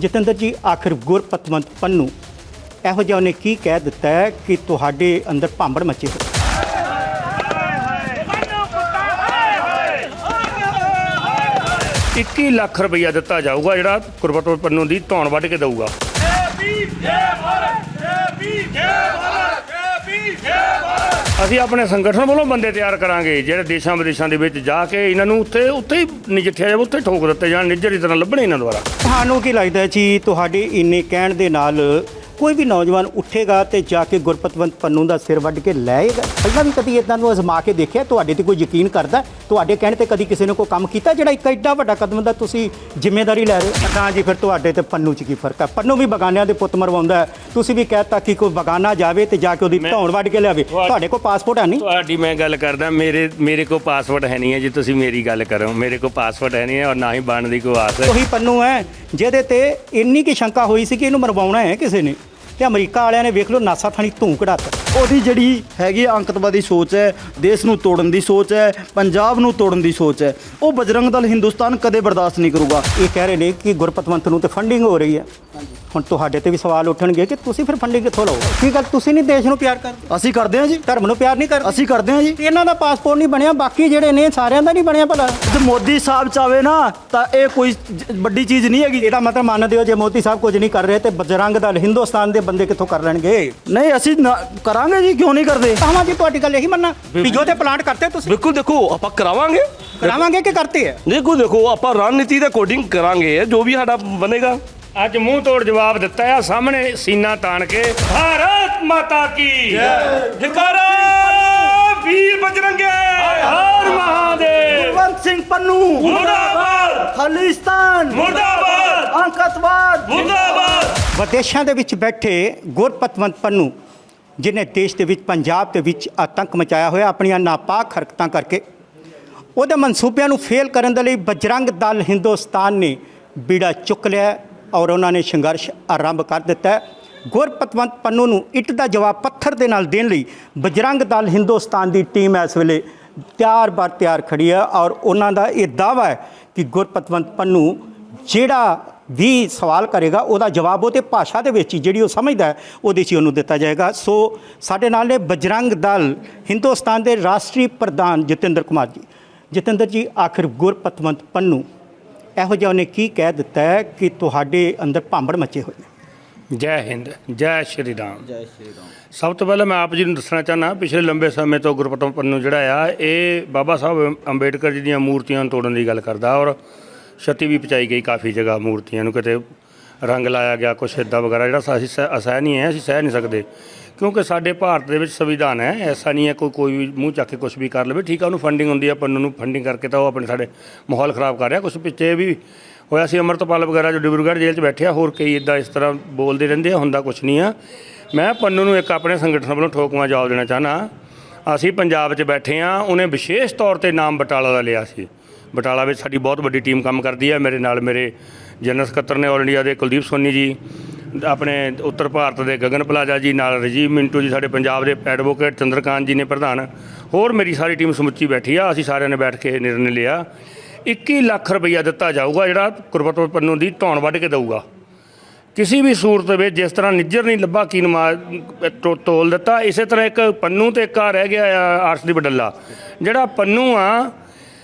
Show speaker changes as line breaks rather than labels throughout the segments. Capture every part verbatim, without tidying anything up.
ਜਤਿੰਦਰ ਜੀ, ਆਖਿਰ ਗੁਰਪਤਵੰਤ ਪੰਨੂ ਇਹੋ ਜਿਹਾ ਉਹਨੇ ਕੀ ਕਹਿ ਦਿੱਤਾ ਹੈ ਕਿ ਤੁਹਾਡੇ ਅੰਦਰ ਭਾਂਬੜ ਮੱਚੇ ਹੋਏ?
ਇੱਕੀ ਲੱਖ ਰੁਪਈਆ ਦਿੱਤਾ ਜਾਊਗਾ ਜਿਹੜਾ ਗੁਰਪਤਵੰਤ ਪੰਨੂ ਦੀ ਧੌਣ ਵੱਢ ਕੇ ਦਊਗਾ। ਅਸੀਂ ਆਪਣੇ ਸੰਗਠਨ ਵੱਲੋਂ ਬੰਦੇ ਤਿਆਰ ਕਰਾਂਗੇ ਜਿਹੜੇ ਦੇਸ਼ਾਂ ਵਿਦੇਸ਼ਾਂ ਦੇ ਵਿੱਚ ਜਾ ਕੇ ਇਹਨਾਂ ਨੂੰ ਉੱਥੇ ਉੱਥੇ ਹੀ ਨਜਿੱਠਿਆ ਜਾਵੇ, ਉੱਥੇ ਠੋਕ ਦਿੱਤੇ ਜਾਣ, ਨਿੱਜਰ ਦੀ ਤਰ੍ਹਾਂ ਲੱਭਣੇ ਇਹਨਾਂ ਦੁਆਰਾ।
ਤੁਹਾਨੂੰ ਕੀ ਲੱਗਦਾ ਜੀ, ਤੁਹਾਡੇ ਇੰਨੇ ਕਹਿਣ ਦੇ ਨਾਲ ਕੋਈ ਵੀ ਨੌਜਵਾਨ ਉੱਠੇਗਾ ਤੇ ਜਾ ਕੇ ਗੁਰਪਤਵੰਤ ਪੰਨੂ ਦਾ ਸਿਰ ਵੱਢ ਕੇ ਲੈਏਗਾ? ਪਹਿਲਾਂ ਵੀ ਕਦੀ ਇਦਾਂ ਨੂੰ ਅਜ਼ਮਾ ਕੇ ਦੇਖਿਆ? ਤੁਹਾਡੇ ਤੇ ਕੋਈ ਯਕੀਨ ਕਰਦਾ? ਤੁਹਾਡੇ ਕਹਿਣ ਤੇ ਕਦੀ ਕਿਸੇ ਨੇ ਕੋਈ ਕੰਮ ਕੀਤਾ ਜਿਹੜਾ ਇੱਕ ਐਡਾ ਵੱਡਾ ਕਦਮ ਦਾ ਤੁਸੀਂ ਜ਼ਿੰਮੇਵਾਰੀ ਲੈ ਰਹੇ ਹੋ? ਤਾਂ ਜੀ ਫਿਰ ਤੁਹਾਡੇ ਤੇ ਪੰਨੂ 'ਚ ਕੀ ਫਰਕ ਹੈ? ਪੰਨੂ ਵੀ ਬਗਾਨਿਆਂ ਦੇ ਪੁੱਤ ਮਰਵਾਉਂਦਾ ਹੈ, ਤੁਸੀਂ ਵੀ ਕਹਿਤਾ ਕਿ ਕੋਈ ਬਗਾਨਾ ਜਾਵੇ ਤੇ ਜਾ ਕੇ ਉਹਦੀ ਧੌਣ ਵੱਢ ਕੇ ਲਿਆਵੇ। ਤੁਹਾਡੇ ਕੋਲ ਪਾਸਪੋਰਟ ਹੈ ਨਹੀਂ?
ਤੁਹਾਡੀ ਮੈਂ ਗੱਲ ਕਰਦਾ, ਮੇਰੇ ਮੇਰੇ ਕੋਲ ਪਾਸਪੋਰਟ ਹੈ ਨਹੀਂ ਹੈ ਜੀ, ਤੁਸੀਂ ਮੇਰੀ ਗੱਲ ਕਰੋ। ਮੇਰੇ ਕੋਲ ਪਾਸਪੋਰਟ ਹੈ ਨਹੀਂ ਹੈ ਔਰ ਨਾ ਹੀ ਬਣਨ ਦੀ ਕੋਈ ਆਸ ਹੈ।
ਉਹੀ ਪੰਨੂ ਹੈ ਜਿਹਦੇ ਤੇ ਇੰਨੀ ਕੀ ਸ਼ੰਕਾ ਹੋਈ ਸੀ ਕਿ ਇਹਨੂੰ ਮਰਵਾਉਣਾ ਹੈ ਕਿਸੇ ਨੇ, ਤੇ ਅਮਰੀਕਾ ਵਾਲਿਆਂ ਨੇ ਵੇਖ ਲਓ ਨਾਸਾ ਥਾਣੀ ਧੂੰ ਕਢਾਤਾ।
ਉਹਦੀ ਜਿਹੜੀ ਹੈਗੀ ਅੰਕਤਵਾਦੀ ਸੋਚ ਹੈ, ਦੇਸ਼ ਨੂੰ ਤੋੜਨ ਦੀ ਸੋਚ ਹੈ, ਪੰਜਾਬ ਨੂੰ ਤੋੜਨ ਦੀ ਸੋਚ ਹੈ, ਉਹ ਬਜਰੰਗ ਦਲ ਹਿੰਦੁਸਤਾਨ ਕਦੇ ਬਰਦਾਸ਼ਤ ਨਹੀਂ ਕਰੂਗਾ।
ਇਹ ਕਹਿ ਰਹੇ ਨੇ ਕਿ ਗੁਰਪਤਵੰਤ ਨੂੰ ਤੇ ਫੰਡਿੰਗ ਹੋ ਰਹੀ ਹੈ। ਹੁਣ ਤੁਹਾਡੇ ਤੇ ਵੀ ਸਵਾਲ ਉੱਠਣਗੇ ਕਿ ਤੁਸੀਂ ਫਿਰ ਫੰਡਿੰਗ ਕਿੱਥੋਂ ਲਓ? ਕੀ ਗੱਲ, ਤੁਸੀਂ ਨਹੀਂ ਦੇਸ਼ ਨੂੰ ਪਿਆਰ ਕਰਦੇ?
ਅਸੀਂ ਕਰਦੇ ਹਾਂ ਜੀ,
ਧਰਮ ਨੂੰ ਪਿਆਰ ਨਹੀਂ ਕਰਦੇ?
ਅਸੀਂ ਕਰਦੇ ਹਾਂ ਜੀ।
ਇਹਨਾਂ ਦਾ ਪਾਸਪੋਰਟ ਨਹੀਂ ਬਣਿਆ, ਬਾਕੀ ਜਿਹੜੇ ਨੇ ਸਾਰਿਆਂ ਦਾ ਨਹੀਂ ਬਣਿਆ ਭਲਾ।
ਜੇ ਮੋਦੀ ਸਾਹਿਬ ਚਾਵੇ ਨਾ ਤਾਂ ਇਹ ਕੋਈ ਜ- ਵੱਡੀ ਚੀਜ਼ ਨਹੀਂ ਹੈਗੀ।
ਇਹਦਾ ਮਤਲਬ ਮੰਨਦੇ ਹੋ ਜੇ ਮੋਦੀ ਸਾਹਿਬ ਕੁਝ ਨਹੀਂ ਕਰ ਰਹੇ ਤੇ ਬਜਰੰਗ ਦਲ ਹਿੰਦੁਸਤਾਨ ਦੇ ਬੰਦੇ ਕਿੱਥੋਂ ਕਰ ਲੈਣਗੇ?
ਨਹੀਂ, ਅਸੀਂ ਨਾ- ਕਰਾਂਗੇ ਜੀ, ਕਿਉਂ ਨਹੀਂ ਕਰਦੇ?
ਕਹਾਂ ਜੀ ਤੁਹਾਡੀ ਗੱਲ ਇਹੀ ਮੰਨਣਾ ਵੀ ਜੋ ਤੇ ਪਲਾਂਟ ਕਰਤੇ ਤੁਸੀਂ
ਬਿਲਕੁਲ, ਦੇਖੋ ਆਪਾਂ ਕਰਾਵਾਂਗੇ
ਕਰਾਵਾਂਗੇ ਕਿ ਕਰਤੇ ਹੈ?
ਦੇਖੋ ਦੇਖੋ ਆਪਾਂ ਰਣਨੀਤੀ ਦੇ ਅਕੋਰਡਿੰਗ ਕਰਾਂਗੇ ਜੋ ਵੀ ਸਾਡਾ ਬਣੇਗਾ।
ਅੱਜ ਮੂੰਹ ਤੋੜ ਜਵਾਬ ਦਿੱਤਾ ਆ ਸਾਹਮਣੇ ਸੀਨਾ ਤਾਣ ਕੇ। ਭਾਰਤ ਮਾਤਾ ਕੀ
ਜੈਕਾਰਾ ਵੀਰ ਬਜਰੰਗੇ,
ਹਰ ਮਹਾਦੇਵ,
ਕੁਲਵੰਤ ਸਿੰਘ ਪੰਨੂ
ਮੁਰਦਾਬਾਦ,
ਖਾਲਿਸਤਾਨ
ਮੁਰਦਾਬਾਦ,
ਅੰਕਤਵਾਦ
ਮੁਰਦਾਬਾਦ।
ਵਿਦੇਸ਼ਾਂ ਦੇ ਵਿੱਚ ਬੈਠੇ ਗੁਰਪਤਵੰਤ ਪੰਨੂ ਜਿਹਨੇ ਦੇਸ਼ ਦੇ ਵਿੱਚ ਪੰਜਾਬ ਦੇ ਵਿੱਚ ਆਤੰਕ ਮਚਾਇਆ ਹੋਇਆ ਆਪਣੀਆਂ ਨਾਪਾਕ ਹਰਕਤਾਂ ਕਰਕੇ, ਉਹਦੇ ਮਨਸੂਬਿਆਂ ਨੂੰ ਫੇਲ ਕਰਨ ਦੇ ਲਈ ਬਜਰੰਗ ਦਲ ਹਿੰਦੁਸਤਾਨ ਨੇ ਬੀੜਾ ਚੁੱਕ ਲਿਆ ਔਰ ਉਹਨਾਂ ਨੇ ਸੰਘਰਸ਼ ਆਰੰਭ ਕਰ ਦਿੱਤਾ ਹੈ। ਗੁਰਪਤਵੰਤ ਪੰਨੂ ਨੂੰ ਇੱਟ ਦਾ ਜਵਾਬ ਪੱਥਰ ਦੇ ਨਾਲ ਦੇਣ ਲਈ ਬਜਰੰਗ ਦਲ ਹਿੰਦੁਸਤਾਨ ਦੀ ਟੀਮ ਇਸ ਵੇਲੇ ਤਿਆਰ ਬਰ ਤਿਆਰ ਖੜੀ ਹੈ ਔਰ ਉਹਨਾਂ ਦਾ ਇਹ ਦਾਅਵਾ ਹੈ ਕਿ ਗੁਰਪਤਵੰਤ ਪੰਨੂ ਜਿਹੜਾ ਵੀ ਸਵਾਲ ਕਰੇਗਾ ਉਹਦਾ ਜਵਾਬ ਉਹਦੇ ਭਾਸ਼ਾ ਦੇ ਵਿੱਚ ਹੀ ਜਿਹੜੀ ਉਹ ਸਮਝਦਾ ਹੈ ਉਹਦੇ 'ਚ ਹੀ ਉਹਨੂੰ ਦਿੱਤਾ ਜਾਏਗਾ। ਸੋ ਸਾਡੇ ਨਾਲ ਨੇ ਬਜਰੰਗ ਦਲ ਹਿੰਦੁਸਤਾਨ ਦੇ ਰਾਸ਼ਟਰੀ ਪ੍ਰਧਾਨ ਜਤਿੰਦਰ ਕੁਮਾਰ ਜੀ। ਜਤਿੰਦਰ ਜੀ, ਆਖਿਰ ਗੁਰਪਤਵੰਤ ਪੰਨੂ ਇਹੋ ਜਿਹਾ ਉਹਨੇ ਕੀ ਕਹਿ ਦਿੱਤਾ ਹੈ ਕਿ ਤੁਹਾਡੇ ਅੰਦਰ ਭਾਂਬੜ ਮੱਚੇ ਹੋਏ ਨੇ?
ਜੈ ਹਿੰਦ, ਜੈ ਸ਼੍ਰੀ ਰਾਮ। ਜੈ ਸ਼੍ਰੀ ਰਾਮ। ਸਭ ਤੋਂ ਪਹਿਲਾਂ ਮੈਂ ਆਪ ਜੀ ਨੂੰ ਦੱਸਣਾ ਚਾਹੁੰਦਾ, ਪਿਛਲੇ ਲੰਬੇ ਸਮੇਂ ਤੋਂ ਗੁਰਪਤਵੰਤ ਪੰਨੂ ਜਿਹੜਾ ਆ ਇਹ ਬਾਬਾ ਸਾਹਿਬ ਅੰਬੇਡਕਰ ਜੀ ਦੀਆਂ ਮੂਰਤੀਆਂ ਨੂੰ ਤੋੜਨ ਦੀ ਗੱਲ ਕਰਦਾ ਔਰ ਛੱਤੀ ਵੀ ਪਹੁੰਚਾਈ ਗਈ ਕਾਫੀ ਜਗ੍ਹਾ ਮੂਰਤੀਆਂ ਨੂੰ, ਕਿਤੇ ਰੰਗ ਲਾਇਆ ਗਿਆ ਕੁਛ ਇੱਦਾਂ ਵਗੈਰਾ ਜਿਹੜਾ ਅਸੀਂ ਸਹਿ ਅਸਹਿ ਨਹੀਂ ਹੈ, ਅਸੀਂ ਸਹਿ ਨਹੀਂ ਸਕਦੇ ਕਿਉਂਕਿ ਸਾਡੇ ਭਾਰਤ ਦੇ ਵਿੱਚ ਸੰਵਿਧਾਨ ਹੈ। ਐਸਾ ਨਹੀਂ ਹੈ ਕੋਈ ਕੋਈ ਵੀ ਮੂੰਹ ਚੱਕ ਕੇ ਕੁਛ ਵੀ ਕਰ ਲਵੇ। ਠੀਕ ਆ, ਉਹਨੂੰ ਫੰਡਿੰਗ ਹੁੰਦੀ ਹੈ, ਪੰਨੂ ਨੂੰ ਫੰਡਿੰਗ ਕਰਕੇ ਤਾਂ ਉਹ ਆਪਣੇ ਸਾਡੇ ਮਾਹੌਲ ਖ਼ਰਾਬ ਕਰ ਰਿਹਾ। ਕੁਛ ਪਿੱਛੇ ਵੀ ਹੋਇਆ ਸੀ, ਅੰਮ੍ਰਿਤਪਾਲ ਵਗੈਰਾ ਜੋ ਡਿਬਰੂਗੜ੍ਹ ਜੇਲ੍ਹ 'ਚ ਬੈਠੇ ਆ, ਹੋਰ ਕਈ ਇੱਦਾਂ ਇਸ ਤਰ੍ਹਾਂ ਬੋਲਦੇ ਰਹਿੰਦੇ ਆ, ਹੁੰਦਾ ਕੁਛ ਨਹੀਂ ਆ। ਮੈਂ ਪੰਨੂ ਨੂੰ ਇੱਕ ਆਪਣੇ ਸੰਗਠਨ ਵੱਲੋਂ ਠੋਕਵਾਂ ਜਵਾਬ ਦੇਣਾ ਚਾਹੁੰਦਾ। ਅਸੀਂ ਪੰਜਾਬ 'ਚ ਬੈਠੇ ਹਾਂ, ਉਹਨੇ ਵਿਸ਼ੇਸ਼ ਤੌਰ 'ਤੇ ਨਾਮ ਬਟਾਲਾ ਦਾ ਲਿਆ ਸੀ। ਬਟਾਲਾ ਵਿੱਚ ਸਾਡੀ ਬਹੁਤ ਵੱਡੀ ਟੀਮ ਕੰਮ ਕਰਦੀ ਹੈ। ਮੇਰੇ ਨਾਲ ਮੇਰੇ ਜਨਰਲ ਸਕੱਤਰ ਨੇ ਆਲ ਇੰਡੀਆ ਦੇ ਕੁਲਦੀਪ ਸੋਨੀ ਜੀ, ਆਪਣੇ ਉੱਤਰ ਭਾਰਤ ਦੇ ਗਗਨ ਪਲਾਜਾ ਜੀ, ਨਾਲ ਰਜੀਵ ਮਿੰਟੂ ਜੀ, ਸਾਡੇ ਪੰਜਾਬ ਦੇ ਐਡਵੋਕੇਟ ਚੰਦਰਕਾਂਤ ਜੀ ਨੇ ਪ੍ਰਧਾਨ, ਹੋਰ ਮੇਰੀ ਸਾਰੀ ਟੀਮ ਸਮੁੱਚੀ ਬੈਠੀ ਆ। ਅਸੀਂ ਸਾਰਿਆਂ ਨੇ ਬੈਠ ਕੇ ਨਿਰਣੇ ਲਿਆ ਇੱਕੀ ਲੱਖ ਰੁਪਈਆ ਦਿੱਤਾ ਜਾਊਗਾ ਜਿਹੜਾ ਗੁਰਪਤਵੰਤ ਪੰਨੂ ਦੀ ਧੌਣ ਵੱਢ ਕੇ ਦਊਗਾ। ਕਿਸੇ ਵੀ ਸੂਰਤ ਵਿੱਚ ਜਿਸ ਤਰ੍ਹਾਂ ਨਿੱਜਰ ਨਹੀਂ ਲੱਭਾ ਕੀ ਨਮਾ ਤੋਲ ਦਿੱਤਾ, ਇਸੇ ਤਰ੍ਹਾਂ ਇੱਕ ਪੰਨੂ ਤੇ ਇੱਕ ਆ ਰਹਿ ਗਿਆ ਆ ਆਰਸ ਦੀ ਬਡੱਲਾ। ਜਿਹੜਾ ਪੰਨੂ ਆ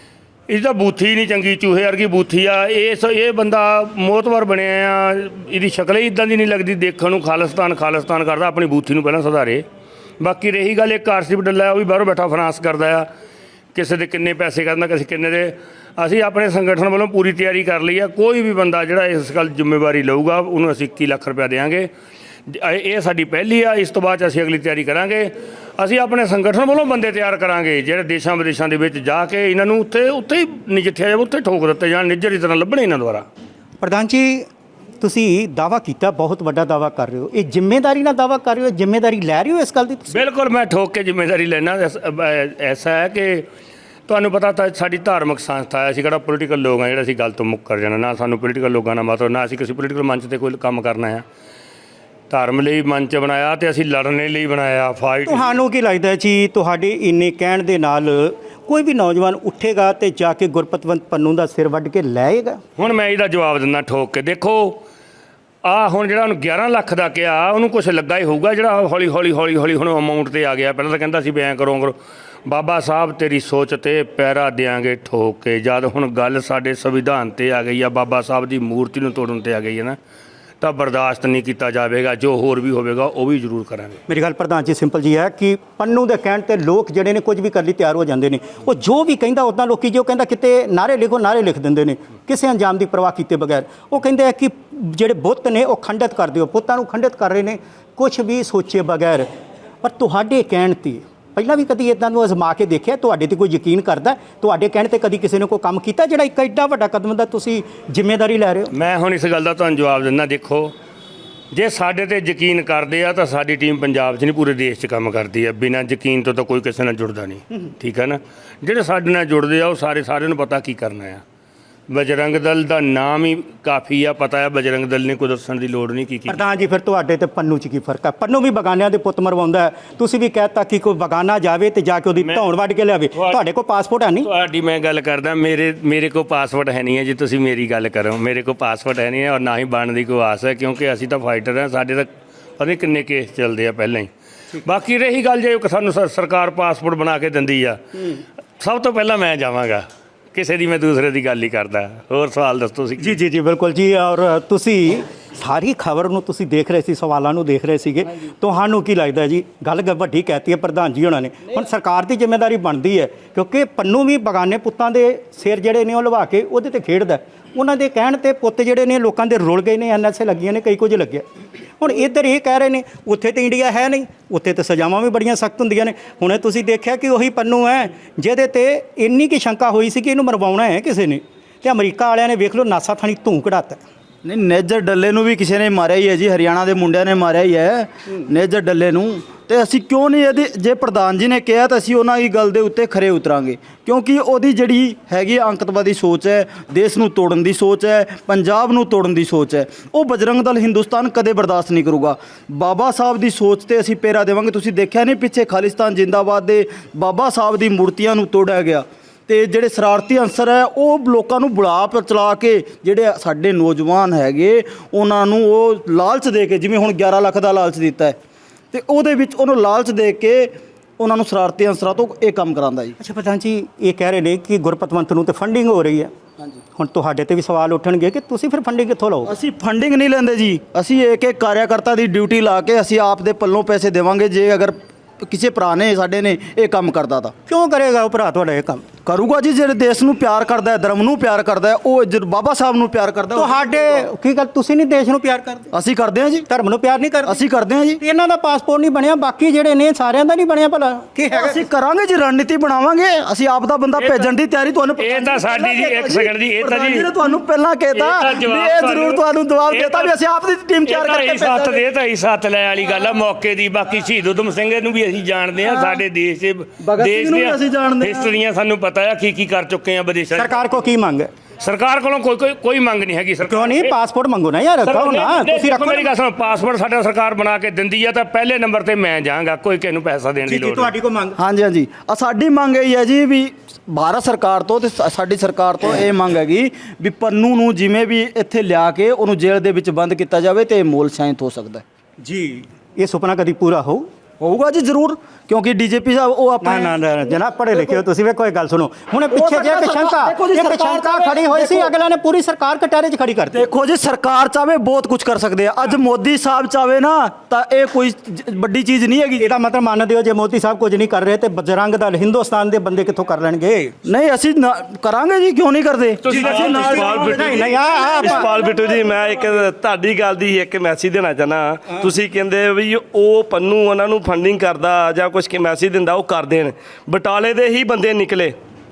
ਇਹਦਾ ਬੂਥੀ ਨਹੀਂ ਚੰਗੀ, ਚੂਹੇ ਵਰਗੀ ਬੂਥੀ ਆ। ਇਸ ਇਹ ਬੰਦਾ ਮੋਤਵਰ ਬਣਿਆ ਆ, ਇਹਦੀ ਸ਼ਕਲ ਹੀ ਇੱਦਾਂ ਦੀ ਨਹੀਂ ਲੱਗਦੀ ਦੇਖਣ ਨੂੰ। ਖਾਲਿਸਤਾਨ ਖਾਲਿਸਤਾਨ ਕਰਦਾ, ਆਪਣੀ ਬੂਥੀ ਨੂੰ ਪਹਿਲਾਂ ਸੁਧਾਰੇ। ਬਾਕੀ ਰਹੀ ਗੱਲ ਇੱਕ ਆਰਸ ਦੀ ਬਡੱਲਾ, ਉਹ ਵੀ ਬਾਹਰੋਂ ਬੈਠਾ ਫਾਈਨਾਂਸ ਕਰਦਾ ਆ, ਕਿਸੇ ਦੇ ਕਿੰਨੇ ਪੈਸੇ ਕਰਦਾ, ਕਿਸੇ ਕਿੰਨੇ ਦੇ। ਅਸੀਂ ਆਪਣੇ ਸੰਗਠਨ ਵੱਲੋਂ ਪੂਰੀ ਤਿਆਰੀ ਕਰ ਲਈ ਆ। ਕੋਈ ਵੀ ਬੰਦਾ ਜਿਹੜਾ ਇਸ ਗੱਲ ਜ਼ਿੰਮੇਵਾਰੀ ਲਊਗਾ ਉਹਨੂੰ ਅਸੀਂ ਇੱਕੀ ਲੱਖ ਰੁਪਇਆ ਦੇਵਾਂਗੇ। ਇਹ ਸਾਡੀ ਪਹਿਲੀ ਆ, ਇਸ ਤੋਂ ਬਾਅਦ 'ਚ ਅਸੀਂ ਅਗਲੀ ਤਿਆਰੀ ਕਰਾਂਗੇ। ਅਸੀਂ ਆਪਣੇ ਸੰਗਠਨ ਵੱਲੋਂ ਬੰਦੇ ਤਿਆਰ ਕਰਾਂਗੇ ਜਿਹੜੇ ਦੇਸ਼ਾਂ ਵਿਦੇਸ਼ਾਂ ਦੇ ਵਿੱਚ ਜਾ ਕੇ ਇਹਨਾਂ ਨੂੰ ਉੱਥੇ ਉੱਥੇ ਹੀ ਨਜਿੱਠਿਆ ਜਾਵੇ, ਉੱਥੇ ਠੋਕ ਦਿੱਤੇ ਜਾਣ, ਨਿੱਜਰ ਦੀ ਤਰ੍ਹਾਂ ਲੱਭਣੇ ਇਹਨਾਂ ਦੁਆਰਾ।
ਪ੍ਰਧਾਨ ਜੀ, ਤੁਸੀਂ ਦਾਅਵਾ ਕੀਤਾ, ਬਹੁਤ ਵੱਡਾ ਦਾਅਵਾ ਕਰ ਰਹੇ ਹੋ। ਇਹ ਜ਼ਿੰਮੇਵਾਰੀ ਨਾਲ ਦਾਅਵਾ ਕਰ ਰਹੇ ਹੋ, ਜ਼ਿੰਮੇਵਾਰੀ ਲੈ ਰਹੇ ਹੋ ਇਸ ਗੱਲ ਦੀ ਤੁਸੀਂ?
ਬਿਲਕੁਲ, ਮੈਂ ਠੋਕ ਕੇ ਜ਼ਿੰਮੇਵਾਰੀ ਲੈਣਾ। ਐਸਾ ਹੈ ਕਿ ਤੁਹਾਨੂੰ ਪਤਾ ਤਾਂ ਸਾਡੀ ਧਾਰਮਿਕ ਸੰਸਥਾ ਹੈ, ਅਸੀਂ ਕਿਹੜਾ ਪੋਲੀਟੀਕਲ ਲੋਕ ਹਾਂ ਜਿਹੜਾ ਅਸੀਂ ਗੱਲ ਤੋਂ ਮੁੱਕਰ ਜਾਣਾ। ਨਾ ਸਾਨੂੰ ਪੋਲੀਟੀਕਲ ਲੋਕਾਂ ਨਾਲ ਮਤਲਬ, ਨਾ ਅਸੀਂ ਕਿਸੇ ਪੋਲੀਟੀਕਲ ਮੰਚ 'ਤੇ ਕੋਈ ਕੰਮ ਕਰਨਾ ਆ। ਧਰਮ ਲਈ ਮੰਚ ਬਣਾਇਆ ਤੇ ਅਸੀਂ ਲੜਨ ਲਈ ਬਣਾਇਆ, ਫਾਈਟ।
ਤੁਹਾਨੂੰ ਕੀ ਲੱਗਦਾ ਜੀ, ਤੁਹਾਡੇ ਇੰਨੇ ਕਹਿਣ ਦੇ ਨਾਲ ਕੋਈ ਵੀ ਨੌਜਵਾਨ ਉੱਠੇਗਾ ਤੇ ਜਾ ਕੇ ਗੁਰਪਤਵੰਤ ਪੰਨੂ ਦਾ ਸਿਰ ਵੱਢ ਕੇ ਲੈਏਗਾ?
ਹੁਣ ਮੈਂ ਇਹਦਾ ਜਵਾਬ ਦਿੰਦਾ ਠੋਕ ਕੇ। ਦੇਖੋ, ਆ ਹੁਣ ਜਿਹੜਾ ਉਹਨੂੰ ਗਿਆਰਾਂ ਲੱਖ ਦਾ ਕਿਹਾ ਉਹਨੂੰ ਕੁਝ ਲੱਗਾ ਹੀ ਹੋਊਗਾ, ਜਿਹੜਾ ਹੌਲੀ ਹੌਲੀ ਹੌਲੀ ਹੌਲੀ ਹੁਣ ਅਮਾਊਂਟ ਤੇ ਆ ਗਿਆ। ਪਹਿਲਾਂ ਤਾਂ ਕਹਿੰਦਾ ਸੀ ਵੀ ਐਂ ਕਰੋ ਕਰੋ। ਬਾਬਾ ਸਾਹਿਬ ਤੇਰੀ ਸੋਚ ਤੇ ਪੈਰਾ ਦਿਆਂਗੇ ਠੋਕ ਕੇ, ਜਦ ਹੁਣ ਗੱਲ ਸਾਡੇ ਸੰਵਿਧਾਨ ਤੇ ਆ ਗਈ ਆ, ਬਾਬਾ ਸਾਹਿਬ ਦੀ ਮੂਰਤੀ ਨੂੰ ਤੋੜਨ ਤੇ ਆ ਗਈ ਹੈ ਨਾ, ਤਾਂ ਬਰਦਾਸ਼ਤ ਨਹੀਂ ਕੀਤਾ ਜਾਵੇਗਾ। ਜੋ ਹੋਰ ਵੀ ਹੋਵੇਗਾ ਉਹ ਵੀ ਜ਼ਰੂਰ ਕਰਾਂਗੇ।
ਮੇਰੀ ਗੱਲ ਪ੍ਰਧਾਨ ਜੀ ਸਿੰਪਲ ਜੀ ਹੈ ਕਿ ਪੰਨੂ ਦੇ ਕਹਿਣ ਤੇ ਲੋਕ ਜਿਹੜੇ ਨੇ ਕੁਝ ਵੀ ਕਰਨ ਲਈ ਤਿਆਰ ਹੋ ਜਾਂਦੇ ਨੇ। ਉਹ ਜੋ ਵੀ ਕਹਿੰਦਾ ਉੱਦਾਂ ਲੋਕੀ ਜੋ ਕਹਿੰਦਾ ਕਿਤੇ ਨਾਰੇ ਲਿਖੋ ਨਾਰੇ ਲਿਖ ਦਿੰਦੇ ਨੇ ਕਿਸੇ ਅੰਜਾਮ ਦੀ ਪਰਵਾਹ ਕੀਤੇ ਬਗੈਰ। ਉਹ ਕਹਿੰਦੇ ਆ ਕਿ ਜਿਹੜੇ ਬੁੱਤ ਨੇ ਉਹ ਖੰਡਿਤ ਕਰ ਦਿਓ, ਪੁੱਤਾਂ ਨੂੰ ਖੰਡਿਤ ਕਰ ਰਹੇ ਨੇ ਕੁਝ ਵੀ ਸੋਚੇ ਬਗੈਰ। ਪਰ ਤੁਹਾਡੇ ਕਹਿਣ ਤੇ ਪਹਿਲਾਂ ਵੀ ਕਦੀ ਇਦਾਂ ਨੂੰ ਅਜ਼ਮਾ ਕੇ ਦੇਖਿਆ? ਤੁਹਾਡੇ ਤੇ ਕੋਈ ਯਕੀਨ ਕਰਦਾ? ਤੁਹਾਡੇ ਕਹਿਣ ਤੇ ਕਦੀ ਕਿਸੇ ਨੇ ਕੋਈ ਕੰਮ ਕੀਤਾ ਜਿਹੜਾ ਇੱਕ ਐਡਾ ਵੱਡਾ ਕਦਮ ਦਾ ਤੁਸੀਂ ਜ਼ਿੰਮੇਵਾਰੀ ਲੈ ਰਹੇ ਹੋ?
ਮੈਂ ਹੁਣ ਇਸ ਗੱਲ ਦਾ ਤੁਹਾਨੂੰ ਜਵਾਬ ਦਿੰਦਾ। ਦੇਖੋ, ਜੇ ਸਾਡੇ ਤੇ ਯਕੀਨ ਕਰਦੇ ਆ ਤਾਂ ਸਾਡੀ ਟੀਮ ਪੰਜਾਬ 'ਚ ਨਹੀਂ ਪੂਰੇ ਦੇਸ਼ 'ਚ ਕੰਮ ਕਰਦੀ ਆ। ਬਿਨਾਂ ਯਕੀਨ ਤੋਂ ਤਾਂ ਕੋਈ ਕਿਸੇ ਨਾਲ ਜੁੜਦਾ ਨਹੀਂ, ਠੀਕ ਹੈ ਨਾ। ਜਿਹੜੇ ਸਾਡੇ ਨਾਲ ਜੁੜਦੇ ਆ ਉਹ ਸਾਰੇ ਸਾਰਿਆਂ ਨੂੰ ਪਤਾ ਕੀ ਕਰਨਾ ਆ। ਬਜਰੰਗ ਦਲ ਦਾ ਨਾਮ ਹੀ ਕਾਫੀ ਆ, ਪਤਾ ਹੈ ਬਜਰੰਗ ਦਲ ਨੇ ਕੋਈ ਦੱਸਣ ਦੀ ਲੋੜ ਨਹੀਂ ਕੀ ਕੀ।
ਪ੍ਰਧਾਨ ਜੀ ਫਿਰ ਤੁਹਾਡੇ ਤੇ ਪੰਨੂ 'ਚ ਕੀ ਫਰਕ ਹੈ? ਪੰਨੂ ਵੀ ਬਗਾਨਿਆਂ ਦੇ ਪੁੱਤ ਮਰਵਾਉਂਦਾ ਹੈ, ਤੁਸੀਂ ਵੀ ਕਹਿਤਾ ਕਿ ਕੋਈ ਬਗਾਨਾ ਜਾਵੇ ਤੇ ਜਾ ਕੇ ਉਹਦੀ ਧੌਣ ਵੱਢ ਕੇ ਲਿਆਵੇ। ਤੁਹਾਡੇ ਕੋਲ ਪਾਸਪੋਰਟ ਹੈ ਨਹੀਂ?
ਤੁਹਾਡੀ ਮੈਂ ਗੱਲ ਕਰਦਾ, ਮੇਰੇ ਮੇਰੇ ਕੋਲ ਪਾਸਪੋਰਟ ਹੈ ਨਹੀਂ ਹੈ ਜੀ। ਤੁਸੀਂ ਮੇਰੀ ਗੱਲ ਕਰੋ, ਮੇਰੇ ਕੋਲ ਪਾਸਪੋਰਟ ਹੈ ਨਹੀਂ ਹੈ ਔਰ ਨਾ ਹੀ ਬਣਨ ਦੀ ਕੋਈ ਆਸ ਹੈ, ਕਿਉਂਕਿ ਅਸੀਂ ਤਾਂ ਫਾਈਟਰ ਹਾਂ। ਸਾਡੇ ਤਾਂ ਪਤਾ ਨਹੀਂ ਕਿੰਨੇ ਕੇਸ ਚੱਲਦੇ ਆ ਪਹਿਲਾਂ ਹੀ। ਬਾਕੀ ਰਹੀ ਗੱਲ ਜੇ ਸਾਨੂੰ ਸ- ਸਰਕਾਰ ਪਾਸਪੋਰਟ ਬਣਾ ਕੇ ਦਿੰਦੀ ਆ, ਸਭ ਤੋਂ ਪਹਿਲਾਂ ਮੈਂ ਜਾਵਾਂਗਾ। ਕਿਸੇ ਦੀ ਮੈਂ ਦੂਸਰੇ ਦੀ ਗੱਲ ਹੀ ਕਰਦਾ। ਹੋਰ ਸਵਾਲ ਦੱਸੋ ਤੁਸੀਂ।
ਜੀ ਜੀ ਜੀ ਬਿਲਕੁਲ ਜੀ। ਔਰ ਤੁਸੀਂ ਸਾਰੀ ਖਬਰ ਨੂੰ ਤੁਸੀਂ ਦੇਖ ਰਹੇ ਸੀ, ਸਵਾਲਾਂ ਨੂੰ ਦੇਖ ਰਹੇ ਸੀਗੇ। ਤੁਹਾਨੂੰ ਕੀ ਲੱਗਦਾ ਜੀ? ਗੱਲ ਗ- ਵੱਡੀ ਕਹਿਤੀ ਹੈ ਪ੍ਰਧਾਨ ਜੀ ਉਹਨਾਂ ਨੇ। ਹੁਣ ਸਰਕਾਰ ਦੀ ਜ਼ਿੰਮੇਵਾਰੀ ਬਣਦੀ ਹੈ, ਕਿਉਂਕਿ ਪੰਨੂ ਵੀ ਬਗਾਨੇ ਪੁੱਤਾਂ ਦੇ ਸਿਰ ਜਿਹੜੇ ਨੇ ਉਹ ਲਵਾ ਕੇ ਉਹਦੇ ਤੇ ਖੇਡਦਾ। ਉਹਨਾਂ ਦੇ ਕਹਿਣ ਤੇ ਪੁੱਤ ਜਿਹੜੇ ਨੇ ਲੋਕਾਂ ਦੇ ਰੁਲ ਗਏ ਨੇ, ਐਨ ਐਸ ਏ ਲੱਗੀਆਂ ਨੇ, ਕਈ ਕੁਝ ਲੱਗਿਆ। ਹੁਣ ਇੱਧਰ ਇਹ ਕਹਿ ਰਹੇ ਨੇ ਉੱਥੇ ਤੇ ਇੰਡੀਆ ਹੈ ਨਹੀਂ, ਉੱਥੇ ਤੇ ਸਜ਼ਾਵਾਂ ਵੀ ਬੜੀਆਂ ਸਖਤ ਹੁੰਦੀਆਂ ਨੇ। ਹੁਣੇ ਤੁਸੀਂ ਦੇਖਿਆ ਕਿ ਉਹੀ ਪੰਨੂ ਹੈ ਜਿਹਦੇ ਤੇ ਇੰਨੀ ਕੀ ਸ਼ੰਕਾ ਹੋਈ ਸੀ ਕਿ ਇਹਨੂੰ ਮਰਵਾਉਣਾ ਹੈ ਕਿਸੇ ਨੇ, ਤੇ ਅਮਰੀਕਾ ਵਾਲਿਆਂ ਨੇ ਵੇਖ ਲਓ ਨਾਸਾ ਥਾਣੀ ਧੂੰ ਕਢਾਤਾ।
ਨਹੀਂ, ਨੇਜਰ ਡੱਲੇ ਨੂੰ ਵੀ ਕਿਸੇ ਨੇ ਮਾਰਿਆ ਹੀ ਹੈ ਜੀ, ਹਰਿਆਣਾ ਦੇ ਮੁੰਡਿਆਂ ਨੇ ਮਾਰਿਆ ਹੀ ਹੈ ਨੇਜਰ ਡੱਲੇ ਨੂੰ। ਤੇ ਅਸੀਂ ਕਿਉਂ ਨਹੀਂ ਇਹਦੀ, ਜੇ ਪ੍ਰਧਾਨ ਜੀ ਨੇ ਕਿਹਾ ਤਾਂ ਅਸੀਂ ਉਹਨਾਂ ਦੀ ਗੱਲ ਦੇ ਉੱਤੇ ਖਰੇ ਉਤਰਾਂਗੇ, ਕਿਉਂਕਿ ਉਹਦੀ ਜਿਹੜੀ ਹੈਗੀ ਅੰਕਤਵਾਦੀ ਸੋਚ ਹੈ, ਦੇਸ਼ ਨੂੰ ਤੋੜਨ ਦੀ ਸੋਚ ਹੈ, ਪੰਜਾਬ ਨੂੰ ਤੋੜਨ ਦੀ ਸੋਚ ਹੈ, ਉਹ ਬਜਰੰਗ ਦਲ ਹਿੰਦੁਸਤਾਨ ਕਦੇ ਬਰਦਾਸ਼ਤ ਨਹੀਂ ਕਰੂਗਾ। ਬਾਬਾ ਸਾਹਿਬ ਦੀ ਸੋਚ ਤੇ ਅਸੀਂ ਪਹਿਰਾ ਦੇਵਾਂਗੇ। ਤੁਸੀਂ ਦੇਖਿਆ ਨਹੀਂ ਪਿੱਛੇ ਖਾਲਿਸਤਾਨ ਜਿੰਦਾਬਾਦ ਦੇ ਬਾਬਾ ਸਾਹਿਬ ਦੀ ਮੂਰਤੀਆਂ ਨੂੰ ਤੋੜਿਆ ਗਿਆ, ਤੇ ਜਿਹੜੇ ਸ਼ਰਾਰਤੀ ਅਨਸਰ ਹੈ ਉਹ ਲੋਕਾਂ ਨੂੰ ਬੁਲਾ ਚਲਾ ਕੇ ਜਿਹੜੇ ਸਾਡੇ ਨੌਜਵਾਨ ਹੈਗੇ ਉਹਨਾਂ ਨੂੰ ਉਹ ਲਾਲਚ ਦੇ ਕੇ, ਜਿਵੇਂ ਹੁਣ ਗਿਆਰਾਂ ਲੱਖ ਦਾ ਲਾਲਚ ਦਿੱਤਾ ਹੈ, ਤੇ ਉਹਦੇ ਵਿੱਚ ਉਹਨੂੰ ਲਾਲਚ ਦੇ ਕੇ ਉਹਨਾਂ ਨੂੰ ਸ਼ਰਾਰਤੀ ਅਨਸਰਾਂ ਤੋਂ ਇਹ ਕੰਮ ਕਰਾਉਂਦਾ ਜੀ।
ਅੱਛਾ ਪ੍ਰਧਾਨ ਜੀ, ਇਹ ਕਹਿ ਰਹੇ ਨੇ ਕਿ ਗੁਰਪਤਵੰਤ ਨੂੰ ਤੇ ਫੰਡਿੰਗ ਹੋ ਰਹੀ ਹੈ।
ਹਾਂਜੀ,
ਹੁਣ ਤੁਹਾਡੇ ਤੇ ਵੀ ਸਵਾਲ ਉੱਠਣਗੇ ਕਿ ਤੁਸੀਂ ਫਿਰ ਫੰਡਿੰਗ ਕਿੱਥੋਂ ਲਓ?
ਅਸੀਂ ਫੰਡਿੰਗ ਨਹੀਂ ਲੈਂਦੇ ਜੀ, ਅਸੀਂ ਇੱਕ ਇੱਕ ਕਾਰਿਆਕਰਤਾ ਦੀ ਡਿਊਟੀ ਲਾ ਕੇ ਅਸੀਂ ਆਪ ਦੇ ਪੱਲੋਂ ਪੈਸੇ ਦੇਵਾਂਗੇ। ਜੇ ਅਗਰ ਕਿਸੇ ਭਰਾ ਨੇ ਸਾਡੇ ਨੇ ਇਹ ਕੰਮ ਕਰਦਾ ਤਾਂ
ਕਿਉਂ ਕਰੇਗਾ ਉਹ ਭਰਾ ਤੁਹਾਡਾ ਇਹ ਕੰਮ?
ਕਰੂਗਾ ਜੀ। ਜਿਹੜੇ ਦੇਸ਼ ਨੂੰ ਪਿਆਰ ਕਰਦਾ ਹੈ, ਧਰਮ ਨੂੰ ਪਿਆਰ ਕਰਦਾ ਹੈ, ਉਹ ਜਦ ਬਾਬਾ ਸਾਹਿਬ ਨੂੰ ਪਿਆਰ ਕਰਦਾ ਹੈ।
ਤੁਹਾਡੇ ਕੀ ਗੱਲ, ਤੁਸੀਂ ਨਹੀਂ ਦੇਸ਼ ਨੂੰ ਪਿਆਰ ਕਰਦੇ?
ਅਸੀਂ ਕਰਦੇ ਹਾਂ ਜੀ,
ਧਰਮ ਨੂੰ ਪਿਆਰ ਨਹੀਂ ਕਰਦੇ?
ਅਸੀਂ ਕਰਦੇ ਹਾਂ ਜੀ।
ਤੇ ਇਹਨਾਂ ਦਾ ਪਾਸਪੋਰਟ ਨਹੀਂ ਬਣਿਆ, ਬਾਕੀ ਜਿਹੜੇ ਨੇ ਸਾਰਿਆਂ ਦਾ ਨਹੀਂ ਬਣਿਆ ਭਲਾ ਕੀ ਹੈਗਾ?
ਅਸੀਂ ਕਰਾਂਗੇ ਜੀ, ਰਣਨੀਤੀ ਬਣਾਵਾਂਗੇ। ਅਸੀਂ ਆਪ ਦਾ ਬੰਦਾ ਭੇਜਣ ਦੀ ਤਿਆਰੀ ਤੁਹਾਨੂੰ
ਇਹ ਤਾਂ ਸਾਡੀ ਜੀ ਇੱਕ ਸੈਕਿੰਡ ਜੀ, ਇਹ ਤਾਂ ਜੀ
ਨੇ ਤੁਹਾਨੂੰ ਪਹਿਲਾਂ ਕਹਿਤਾ ਵੀ ਇਹ ਜ਼ਰੂਰ ਤੁਹਾਨੂੰ ਜਵਾਬ ਦੇਤਾ ਵੀ ਅਸੀਂ ਆਪ ਦੀ ਟੀਮ ਤਿਆਰ ਕਰਕੇ
ਸੱਤ
ਭੇਜਾਂਗੇ।
ਦੇ ਤਾਂ ਹੀ ਸੱਤ ਲੈ ਵਾਲੀ ਗੱਲ ਆ ਮੌਕੇ ਦੀ। ਬਾਕੀ ਸ਼ਹੀਦ ਊਧਮ ਸਿੰਘ ਨੂੰ ਵੀ ਅਸੀਂ ਜਾਣਦੇ ਆ, ਸਾਡੇ ਦੇਸ਼ ਦੇ
ਭਗਤ ਸਿੰਘ
ਦੇਸ਼
ਨੂੰ ਵੀ ਅਸੀਂ ਜਾਣਦੇ ਹਾਂ।
ਹਿਸਟਰੀਆਂ ਸਾਨੂੰ ਪਤਾ ਆ ਕੀ ਕੀ ਕਰ ਚੁੱਕੇ ਆ ਵਿਦੇਸ਼ਾਂ 'ਚ।
ਸਰਕਾਰ ਕੋ ਕੀ ਮੰਗ ਹੈ?
ਸਰਕਾਰ ਕੋਲੋਂ ਕੋਈ ਕੋਈ ਕੋਈ ਮੰਗ ਨਹੀਂ ਹੈਗੀ। ਸਰਕਾਰ
ਕਿਉਂ ਨਹੀਂ? ਪਾਸਪੋਰਟ ਮੰਗੋ ਨਾ ਯਾਰ, ਕਹੋ ਨਾ ਤੁਸੀਂ ਰੱਖੋ।
ਮੇਰੀ ਗੱਲ ਸੁਣੋ, ਪਾਸਪੋਰਟ ਸਾਡਾ ਸਰਕਾਰ ਬਣਾ ਕੇ ਦਿੰਦੀ ਆ ਤਾਂ ਪਹਿਲੇ ਨੰਬਰ ਤੇ ਮੈਂ ਜਾਵਾਂਗਾ, ਕੋਈ ਕਿਸੇ ਨੂੰ ਪੈਸਾ ਦੇਣ ਦੀ
ਜੀ ਜੀ
ਲੋੜ ਨਹੀਂ।
ਤੁਹਾਡੀ ਕੋ ਮੰਗ?
ਹਾਂਜੀ ਹਾਂਜੀ, ਆ ਸਾਡੀ ਮੰਗ ਇਹ ਹੈ ਜੀ ਵੀ ਭਾਰਤ ਸਰਕਾਰ ਤੋਂ ਤੇ ਸਾ- ਸਾਡੀ ਸਰਕਾਰ ਤੋਂ ਇਹ ਮੰਗ ਹੈਗੀ ਵੀ ਪੰਨੂ ਨੂੰ ਜਿਵੇਂ ਵੀ ਇੱਥੇ ਲਿਆ ਕੇ ਉਹਨੂੰ ਜੇਲ੍ਹ ਦੇ ਵਿੱਚ ਬੰਦ ਕੀਤਾ ਜਾਵੇ ਤੇ ਮੋਲ ਸ਼ਾਂਤ ਹੋ ਸਕਦਾ ਹੈ
ਜੀ। ਇਹ ਸੁਪਨਾ ਕਦੀ ਪੂਰਾ ਹੋਊ?
ਹੋਊਗਾ ਜੀ ਜ਼ਰੂਰ, ਕਿਉਂਕਿ ਡੀਜੀਪੀ ਸਾਹਿਬ ਉਹ
ਨਾ
ਆਪਣੇ
ਨਾ ਨਾ ਜਨਾਬ, ਪੜ੍ਹੇ ਲਿਖੇ ਹੋ ਤੁਸੀਂ। ਵੇਖੋ ਇਹ ਗੱਲ ਸੁਣੋ, ਹੁਣ ਪਿੱਛੇ ਜੇ
ਸਰਕਾਰ-
ਇੱਕ ਸ਼ੰਕਾ
ਦੇਖੋ ਜੀ,
ਇੱਕ
ਸਰਕਾਰ
ਸ਼ੰਕਾ
ਚਾਹੇ-
ਖੜੀ ਹੋਈ ਸੀ,
ਦੇਖੋ-
ਅਗਲਾ ਨੇ ਪੂਰੀ ਸਰਕਾਰ ਕਟਾਰੇ 'ਚ ਖੜੀ ਕਰਤੀ।
ਦੇਖੋ ਜੀ, ਸਰਕਾਰ ਚਾਵੇ ਬਹੁਤ ਕੁਝ ਕਰ ਸਕਦੇ ਆ। ਅੱਜ ਮੋਦੀ ਸਾਹਿਬ ਚਾਵੇ ਨਾ ਤਾਂ ਇਹ ਕੋਈ ਜ- ਵੱਡੀ ਚੀਜ਼ ਨਹੀਂ ਹੈਗੀ।
ਇਹਦਾ ਮਤਲਬ ਮੰਨਦੇ ਹੋ ਜੇ ਮੋਦੀ ਸਾਹਿਬ ਕੁਝ ਨਹੀਂ ਕਰ ਰਹੇ ਤੇ ਬਜਰੰਗ ਦਲ ਹਿੰਦੁਸਤਾਨ ਦੇ ਬੰਦੇ ਕਿੱਥੋਂ ਕਰ ਲੈਣਗੇ?
ਨਹੀਂ ਅਸੀਂ ਨਾ- ਕਰਾਂਗੇ ਜੀ, ਕਿਉਂ ਨਹੀਂ ਕਰਦੇ?
ਤੁਸੀਂ
ਅਸੀਂ ਨਾਲ-
ਇਸਪਾਲ ਬਿੱਟੂ
ਨਹੀਂ ਨਹੀਂ ਆ
ਇਸਪਾਲ ਬਿੱਟੂ ਜੀ, ਮੈਂ ਇੱਕ ਤੁਹਾਡੀ ਗੱਲ ਦੀ ਇੱਕ ਮੈਸੇਜ ਦੇਣਾ ਚਾਹਨਾ। ਤੁਸੀਂ ਕਹਿੰਦੇ ਵੀ ਉਹ ਪੰਨੂ ਉਹਨਾਂ ਨੂੰ ਫੰਡਿੰਗ ਕਰਦਾ ਜਾਂ ਕੁਝ ਕਿ ਮੈਸੇਜ ਦਿੰਦਾ, ਉਹ ਕਰ ਦੇਣ। ਬਟਾਲੇ ਦੇ ਹੀ ਬੰਦੇ ਨਿਕਲੇ,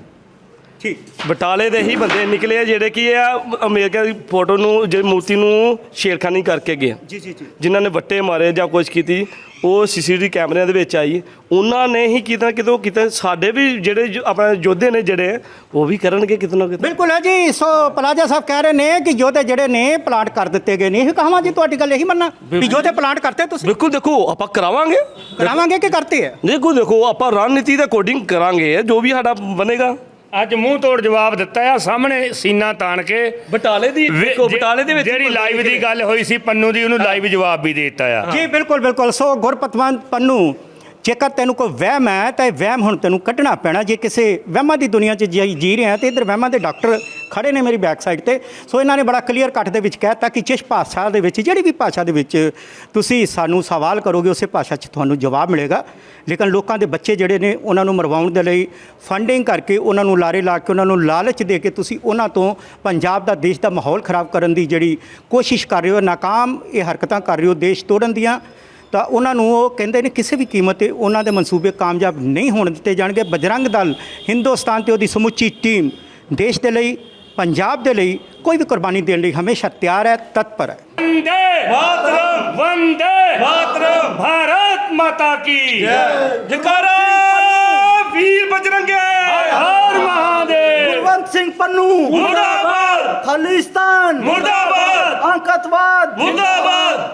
ਠੀਕ।
ਬਟਾਲੇ ਦੇ ਹੀ ਬੰਦੇ ਨਿਕਲੇ ਆ ਜਿਹੜੇ ਕਿ ਆ ਅਮਰੀਕਾ ਦੀ ਫੋਟੋ ਨੂੰ, ਜਿਹੜੀ ਮੂਰਤੀ ਨੂੰ ਛੇੜਖਾਨੀ ਕਰਕੇ ਗਏ,
ਜੀ ਜੀ ਜੀ।
ਜਿਨ੍ਹਾਂ ਨੇ ਵੱਟੇ ਮਾਰੇ ਜਾਂ ਕੁਝ ਕੀਤੀ, ਉਹ ਸੀਸੀਟੀਵੀ ਕੈਮਰਿਆਂ ਦੇ ਵਿੱਚ ਆਈ। ਉਹਨਾਂ ਨੇ ਹੀ ਕਿਤੇ ਨਾ ਕਿਤੇ ਉਹ ਕਿਤੇ ਸਾਡੇ ਵੀ ਜਿਹੜੇ ਜੋ ਆਪਣੇ ਯੋਧੇ ਨੇ ਜਿਹੜੇ ਉਹ ਵੀ ਕਰਨਗੇ ਕਿਤੇ ਨਾ ਕਿਤੇ।
ਬਿਲਕੁਲ ਹੈ ਜੀ। ਸੋ ਪਲਾਜਾ ਸਾਹਿਬ ਕਹਿ ਰਹੇ ਨੇ ਕਿ ਯੋਧੇ ਜਿਹੜੇ ਨੇ ਪਲਾਂਟ ਕਰ ਦਿੱਤੇ ਗਏ ਨੇ। ਇਹ ਕਹਾਵਾਂ ਜੀ ਤੁਹਾਡੀ ਗੱਲ ਇਹੀ ਮੰਨਣਾ ਵੀ ਯੋਧੇ ਪਲਾਂਟ ਕਰਤੇ ਤੁਸੀਂ?
ਬਿਲਕੁਲ, ਦੇਖੋ ਆਪਾਂ ਕਰਾਵਾਂਗੇ,
ਕਰਾਵਾਂਗੇ ਕਿ ਕਰਤੇ ਹੈ?
ਦੇਖੋ ਦੇਖੋ ਆਪਾਂ ਰਣਨੀਤੀ ਦੇ ਅਕੋਰਡਿੰਗ ਕਰਾਂਗੇ ਜੋ ਵੀ ਸਾਡਾ ਬਣੇਗਾ।
ਅੱਜ ਮੂੰਹ ਤੋੜ ਜਵਾਬ ਦਿੱਤਾ ਆ ਸਾਹਮਣੇ ਸੀਨਾ ਤਾਣ ਕੇ।
ਬਟਾਲੇ ਦੀ
ਵੇ-
ਦੇਖੋ, ਬਟਾਲੇ ਦੇ ਵਿੱਚ
ਜਿਹੜੀ ਲਾਈਵ ਦੀ ਗੱਲ ਹੋਈ ਸੀ ਪੰਨੂ ਦੀ, ਉਹਨੂੰ ਲਾਈਵ ਜਵਾਬ ਵੀ ਦੇ ਦਿੱਤਾ ਆ।
ਜੀ ਬਿਲਕੁਲ ਬਿਲਕੁਲ। ਸੋ ਗੁਰਪਤਵੰਤ ਪੰਨੂ, ਜੇਕਰ ਤੈਨੂੰ ਕੋਈ ਵਹਿਮ ਹੈ ਤਾਂ ਇਹ ਵਹਿਮ ਹੁਣ ਤੈਨੂੰ ਕੱਢਣਾ ਪੈਣਾ। ਜੇ ਕਿਸੇ ਵਹਿਮਾਂ ਦੀ ਦੁਨੀਆ 'ਚ ਜੀ ਜੀ ਰਿਹਾ ਤੇ ਇੱਧਰ ਵਹਿਮਾਂ ਦੇ ਡਾਕਟਰ ਖੜੇ ਨੇ ਮੇਰੀ ਬੈਕ ਸਾਈਡ ਤੇ। ਸੋ ਇਹਨਾਂ ਨੇ ਬੜਾ ਕਲੀਅਰ ਕੱਟ ਦੇ ਵਿੱਚ ਕਹਿਤਾ ਕਿ ਜਿਸ ਭਾਸ਼ਾ ਦੇ ਵਿੱਚ, ਜਿਹੜੀ ਵੀ ਭਾਸ਼ਾ ਦੇ ਵਿੱਚ ਤੁਸੀਂ ਸਾਨੂੰ ਸਵਾਲ ਕਰੋਗੇ ਉਸੇ ਭਾਸ਼ਾ 'ਚ ਤੁਹਾਨੂੰ ਜਵਾਬ ਮਿਲੇਗਾ। ਲੇਕਿਨ ਲੋਕਾਂ ਦੇ ਬੱਚੇ ਜਿਹੜੇ ਨੇ ਉਹਨਾਂ ਨੂੰ ਮਰਵਾਉਣ ਦੇ ਲਈ ਫੰਡਿੰਗ ਕਰਕੇ, ਉਹਨਾਂ ਨੂੰ ਲਾਰੇ ਲਾ ਕੇ, ਉਹਨਾਂ ਨੂੰ ਲਾਲਚ ਦੇ ਕੇ ਤੁਸੀਂ ਉਹਨਾਂ ਤੋਂ ਪੰਜਾਬ ਦਾ, ਦੇਸ਼ ਦਾ ਮਾਹੌਲ ਖਰਾਬ ਕਰਨ ਦੀ ਜਿਹੜੀ ਕੋਸ਼ਿਸ਼ ਕਰ ਰਹੇ ਹੋ, ਨਾਕਾਮ ਇਹ ਹਰਕਤਾਂ ਕਰ ਰਹੇ ਹੋ ਦੇਸ਼ ਤੋੜਨ ਦੀਆਂ, ਤਾਂ ਉਹਨਾਂ ਨੂੰ ਉਹ ਕਹਿੰਦੇ ਨੇ ਕਿਸੇ ਵੀ ਕੀਮਤ ਤੇ ਉਹਨਾਂ ਦੇ ਮਨਸੂਬੇ ਕਾਮਯਾਬ ਨਹੀਂ ਹੋਣ ਦਿੱਤੇ ਜਾਣਗੇ। ਬਜਰੰਗ ਦਲ ਹਿੰਦੁਸਤਾਨ ਤੇ ਉਹਦੀ ਸਮੁੱਚੀ ਟੀਮ ਦੇਸ਼ ਦੇ ਲਈ, ਪੰਜਾਬ ਦੇ ਲਈ ਕੋਈ ਵੀ ਕੁਰਬਾਨੀ ਦੇਣ ਲਈ ਹਮੇਸ਼ਾ ਤਿਆਰ ਹੈ, ਤਤਪਰ ਹੈ।
ਵੰਦੇ ਮਾਤਰਮ, ਵੰਦੇ ਮਾਤਰਮ, ਭਾਰਤ ਮਾਤਾ ਕੀ
ਜਕਾਰਾ ਵੀਰ ਬਜਰੰਗੇ,
ਹਰ ਮਹਾਦੇਵ,
ਕੁਲਵੰਤ ਸਿੰਘ ਪੰਨੂ
ਮੁਰਦਾਬਾਦ,
ਖਾਲਿਸਤਾਨ
ਮੁਰਦਾਬਾਦ,
ਅੰਕਤਵਾਦ
ਮੁਰਦਾਬਾਦ।